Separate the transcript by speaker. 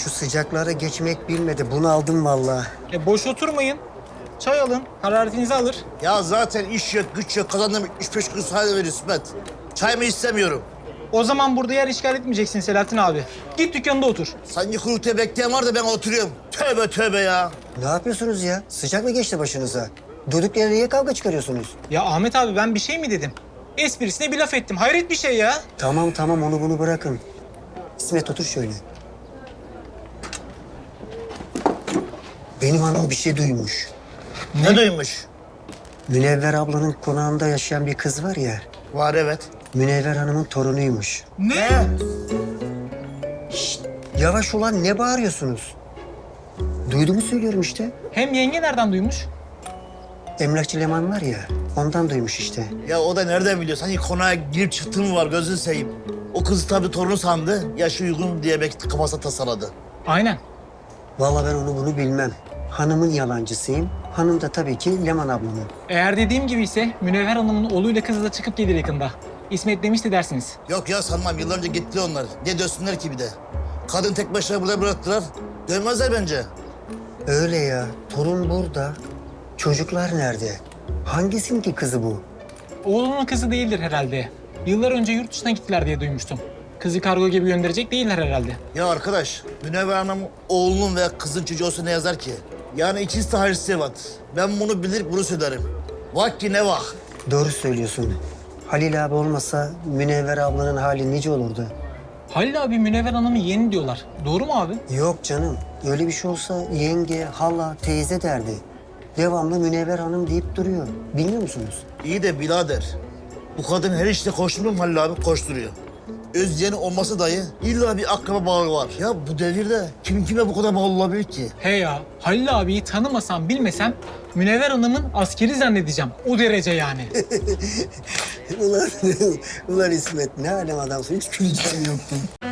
Speaker 1: şu sıcaklara geçmek bilmedi. Bunu aldım vallahi.
Speaker 2: Boş oturmayın. Çay alın, hararetinizi alır.
Speaker 3: Ya zaten iş yok, güç yok. Kazandığım 75 kuruş hale ver İsmet. Çay mı istemiyorum.
Speaker 2: O zaman burada yer işgal etmeyeceksin Selahattin abi. Git dükkanında otur.
Speaker 3: Sanki kurultuya bekleyen var da ben oturuyorum. Tövbe tövbe ya.
Speaker 1: Ne yapıyorsunuz ya? Sıcak mı geçti başınıza? Durduk yere niye kavga çıkarıyorsunuz?
Speaker 2: Ya Ahmet abi ben bir şey mi dedim? Esprisine bir laf ettim. Hayret bir şey ya.
Speaker 1: Tamam tamam onu bunu bırakın. İsmet otur şöyle. Benim hanım bir şey duymuş.
Speaker 3: Ne duymuş?
Speaker 1: Münevver ablanın konağında yaşayan bir kız var ya.
Speaker 3: Var evet.
Speaker 1: Münevver Hanım'ın torunuymuş.
Speaker 3: Ne?
Speaker 1: Yavaş ulan ne bağırıyorsunuz? Duyduğumu söylüyorum işte.
Speaker 2: Hem yenge nereden duymuş?
Speaker 1: Emlakçı Leman var ya ondan duymuş işte.
Speaker 3: Ya o da nereden biliyor? Sanki konağa girip çıktığın mı var gözünü seveyim. O kızı tabii torunu sandı. Yaşı uygun diye belki kafasına tasarladı.
Speaker 2: Aynen.
Speaker 1: Vallahi ben onu bunu bilmem. Hanımın yalancısıyım. Hanım da tabii ki Leman ablamın.
Speaker 2: Eğer dediğim gibi ise Münevver Hanım'ın oğluyla kızı da çıkıp gelir yakında. İsmet demişti dersiniz.
Speaker 3: Yok ya sanmam. Yıllar önce gitti onlar. Ne dönsünler ki bir de. Kadın tek başına burada bıraktılar. Dönmezler bence.
Speaker 1: Öyle ya. Torun burada. Çocuklar nerede? Hangisinin ki kızı bu?
Speaker 2: Oğlunun kızı değildir herhalde. Yıllar önce yurt dışına gittiler diye duymuştum. Kızı kargo gibi gönderecek değiller herhalde.
Speaker 3: Ya arkadaş, Münevver Hanım oğlunun veya kızın çocuğu olsa ne yazar ki? Yani ikisi de hayırlısı evlat. Ben bunu bilir, bunu söylerim. Vak ki ne vak.
Speaker 1: Doğru söylüyorsun. Halil abi olmasa Münevver ablanın hali nice olurdu.
Speaker 2: Halil abi Münevver Hanım'ı yeğeni diyorlar. Doğru mu abi?
Speaker 1: Yok canım. Öyle bir şey olsa yenge, hala, teyze derdi. Devamlı Münevver Hanım deyip duruyor. Bilmiyor musunuz?
Speaker 3: İyi de birader, bu kadın her işte koşturmuyor mu Halil abi? Koşturuyor. Özyeğeni olması dahi illa bir akraba bağı var. Ya bu devirde kim kime bu kadar bağlı olabilir ki?
Speaker 2: He ya, Halil abiyi tanımasam bilmesem Münevver Hanım'ın askeri zannedeceğim. O derece yani.
Speaker 1: ulan, ulan İsmet ne alem adamsın. Hiç güleceğim yoktu.